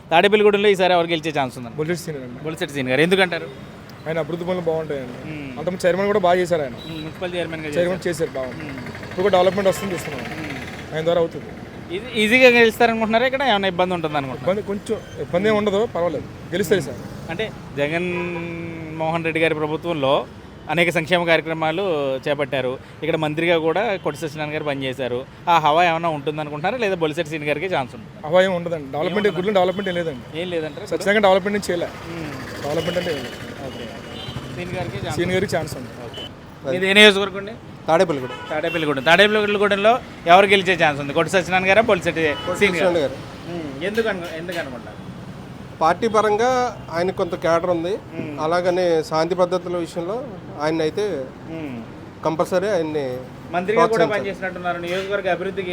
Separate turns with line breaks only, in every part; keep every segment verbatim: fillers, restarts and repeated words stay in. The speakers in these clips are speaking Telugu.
తాడేపల్లిగూడెంలో ఈసారి ఎవరు గెలిచే ఛాన్స్ ఉందండి?
బొలిశెట్టి సీన్ అండి.
బొలిశెట్టి సీన్ గారు ఎందుకంటారు?
ఆయన అభివృద్ధి పనులు బాగుంటాయండి. అంతకుముందు చైర్మన్ కూడా బాగా చేశారు. ఆయన
మున్సిపల్ చైర్మన్
చైర్మన్ చేశారు బాగా. ఇప్పుడు డెవలప్మెంట్ వస్తుంది చూస్తున్నాం. ఆయన ద్వారా అవుతుంది.
ఇది ఈజీగా గెలుస్తారనుకుంటున్నారా? ఇక్కడ ఏమైనా ఇబ్బంది ఉంటుంది అనుకుంటున్నారు?
ఇబ్బంది కొంచెం ఇబ్బంది ఏమి ఉండదు, పర్వాలేదు, గెలుస్తుంది సార్.
అంటే జగన్ మోహన్ రెడ్డి గారి ప్రభుత్వంలో అనేక సంక్షేమ కార్యక్రమాలు చేపట్టారు. ఇక్కడ మంత్రిగా కూడా కొట్టి సత్యనారాయణ గారు పనిచేశారు. ఆ హవా ఏమైనా ఉంటుంది అనుకుంటున్నారా, లేదా బొలిశెట్టి సీన్ గారికి ఛాన్స్ ఉంటుంది?
హవా ఏమి ఉండదండి. డెవలప్మెంట్ గుడ్లు డెవలప్మెంట్ ఏం లేదండి.
ఏం లేదంటారు?
సత్యనారాయణ డెవలప్మెంట్ చేయలే. డెవలప్మెంట్ అంటే
ఓకే, సీన్ గారికి
సీన్ గారికి ఛాన్స్ ఉంది.
ఇది ఏ నియోజకవర్గం అండి?
తాడేపల్లిగూడెం.
తాడేపల్లిగూడెం. తాడేపల్లిగూడెంలో ఎవరు గెలిచే ఛాన్స్ ఉంది? కొట్టి సత్యనారాయణ గారా, బొలిశెట్టి సీన్ గారు? ఎందుకు అను ఎందుకు అనుకుంటారు?
పార్టీ పరంగా ఆయన కొంత క్యాడర్ ఉంది. అలాగనే శాంతి భద్రతల విషయంలో ఆయన అయితే కంపల్సరీ ఆయన్ని
మంత్రిగా కూడా పనిచేసినట్టున్నారు. నియోజకవర్గ అభివృద్ధికి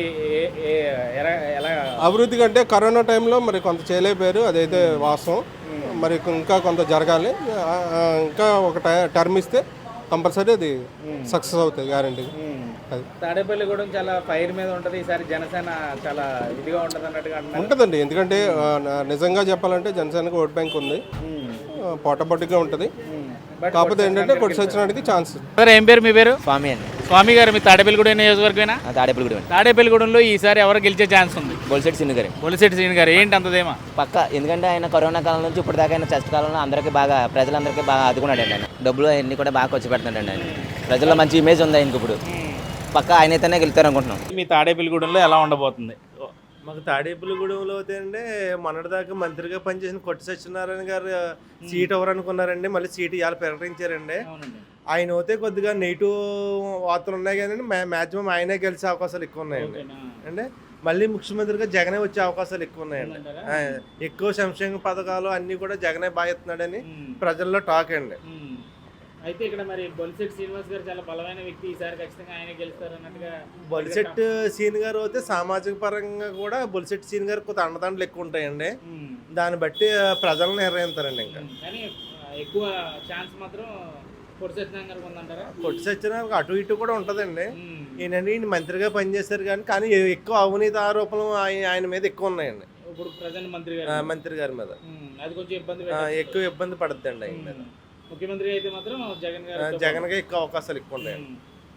ఎలా?
అభివృద్ధి కంటే కరోనా టైంలో మరి కొంత చేయలేకపోయారు, అదైతే వాస్తవం. మరి ఇంకా కొంత జరగాలి. ఇంకా ఒక టర్మ్ ఇస్తే కంపల్సరీ అది సక్సెస్ అవుతుంది, గ్యారంటీ. అది
తాడేపల్లిగూడెం చాలా ఫైర్ మీద ఉంటుంది. ఈసారి జనసేన చాలా ఇదిగా ఉంటుంది అన్నట్టుగా
ఉంటుందండి. ఎందుకంటే నిజంగా చెప్పాలంటే జనసేనకు ఓట్ బ్యాంక్ ఉంది, పోటాపోటీగా ఉంటుంది. కాకపోతే ఏంటంటే కొట్టి సచ్చినానికి ఛాన్స్.
సార్ ఏం పేరు మీ పేరు?
స్వామి అండి.
స్వామి గారు మీ తాడేపల్లిగూడెం నియోజకవర్గమేనా?
తాడేపల్లిగూడెం.
తాడేపల్లిగూడెంలో ఈసారి ఎవరు గెలిచే ఛాన్స్ ఉంది?
బొలిశెట్టి సీన్ గారు.
బొలిశెట్టి సీన్ గారు ఏంటి అంతదేమా?
పక్క, ఎందుకంటే ఆయన కరోనా కాలం నుంచి ఇప్పటిదాకా ఆయన కష్ట కాలంలో అందరికీ బాగా, ప్రజలందరికీ బాగా ఆదుకున్నాడు అండి. ఆయన డబ్బులు అవన్నీ కూడా బాగా ఖర్చు పెడుతున్నాడు ఆయన. ప్రజల్లో మంచి ఇమేజ్ ఉంది ఆయనకి. ఇప్పుడు పక్క ఆయన అయితేనే గెలుతారు అనుకుంటున్నాం.
మీ తాడేపల్లిగూడెంలో ఎలా ఉండబోతుంది?
మాకు తాడేపల్లిగూడెంలో అవుతాయండి మొన్నటిదాకా మంత్రిగా పనిచేసిన కొట్టి సత్యనారాయణ గారు సీట్ ఎవరు అనుకున్నారండి. మళ్ళీ సీటు ఇవాళ ప్రకటించారండి. ఆయన అయితే కొద్దిగా నెగిటివ్ వార్తలు ఉన్నాయి కానీ మ్యాక్సిమం ఆయనే గెలిచే అవకాశాలు ఎక్కువ ఉన్నాయండి. అంటే మళ్ళీ ముఖ్యమంత్రిగా జగనే వచ్చే అవకాశాలు ఎక్కువ ఉన్నాయండి. ఎక్కువ సంక్షేమ పథకాలు అన్నీ కూడా జగనే బాగుతున్నాడని ప్రజల్లో టాక్ అండి.
అయితే ఇక్కడ మరి బొలిశెట్టి శ్రీనివాస్ గారు చాలా బలమైన వ్యక్తి, ఈసారి ఖచ్చితంగా ఆయన గెలుస్తారు అన్నట్టుగా.
బొలిశెట్టి సీన్ గారు అయితే సామాజిక పరంగా కూడా బొలిశెట్టి సీన్ గారు కొంత అండదండలు ఎక్కువ ఉంటాయండి. దాన్ని బట్టి ప్రజలను నిర్ణయిస్తారండి. ఇంకా
కానీ ఎక్కువ ఛాన్స్ మాత్రం కొట్టి సత్యనారాయణ గారికి ఉందంటారా?
కొట్టి సత్యనారాయణ అటు ఇటు కూడా ఉంటుందండి. ఈయనండి ఈయన మంత్రిగా పనిచేశారు కానీ కానీ ఎక్కువ అవినీతి ఆరోపణలు ఆయన మీద ఎక్కువ ఉన్నాయండి.
ఇప్పుడు ప్రజెంట్ మంత్రి
మంత్రి గారి మీద
అది కొంచెం ఇబ్బంది,
ఎక్కువ ఇబ్బంది పడుతుందండి ఆయన మీద.
ముఖ్యమంత్రి అయితే మాత్రం జగన్ గారు
జగన్ గా ఎక్కువ అవకాశాలు ఎక్కువ ఉన్నాయండి.